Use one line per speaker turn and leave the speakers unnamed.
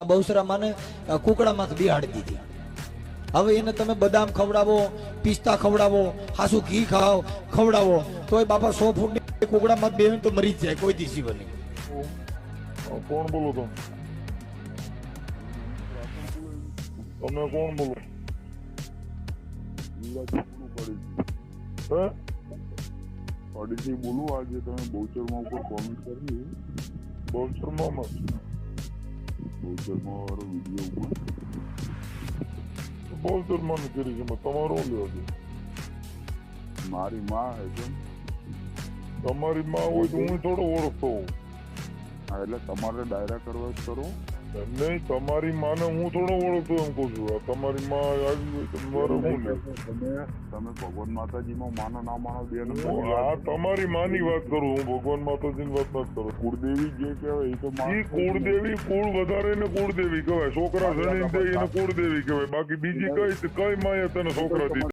બહુસરામાં કુકડામાં બિહાડી દીધી. હવે એને તમે બદામ ખવડાવો, પિસ્તા ખવડાવો, હાસુ ઘી ખાવ ખવડાવો તોય બાપા 100 ફૂટની કુકડામાં બેન તો મરી જ જાય, કોઈ દી જીવન નહીં.
કોણ બોલો તમે? તમે કોણ બોલો?
અડીથી બોલું. આજે તમે બહુચરમાં ઉપર કોમેન્ટ કરી.
બહુચરમાં
વાળો વિડીયો ઉપર
બહુચરમાં કરી છે. તમારો લેવા છે?
મારી માં હે કેમ?
તમારી માં હોય તો હું થોડો ઓળખતો હોઉં.
હા, એટલે તમારે ડાયરા કરવા જ કરો.
નહીં, તમારી માને હું થોડો ઓળખતો એમ કહું છું. તમારી માં આવી હોય તમારે શું લે?
તમે ભગવાન માતાજીમાં માનો ના માનો બે નંબર.
હા, તમારી માની વાત કરું હું, ભગવાન માતાજીની વાત નથી કરું.
કુળદેવી જે કહેવાય એ તો
કુળદેવી, કુળ વધારે ને કુળદેવી કહેવાય. છોકરા જણી દે એને કુળદેવી કહેવાય. બાકી બીજી કઈ માએ તને છોકરા દીધા?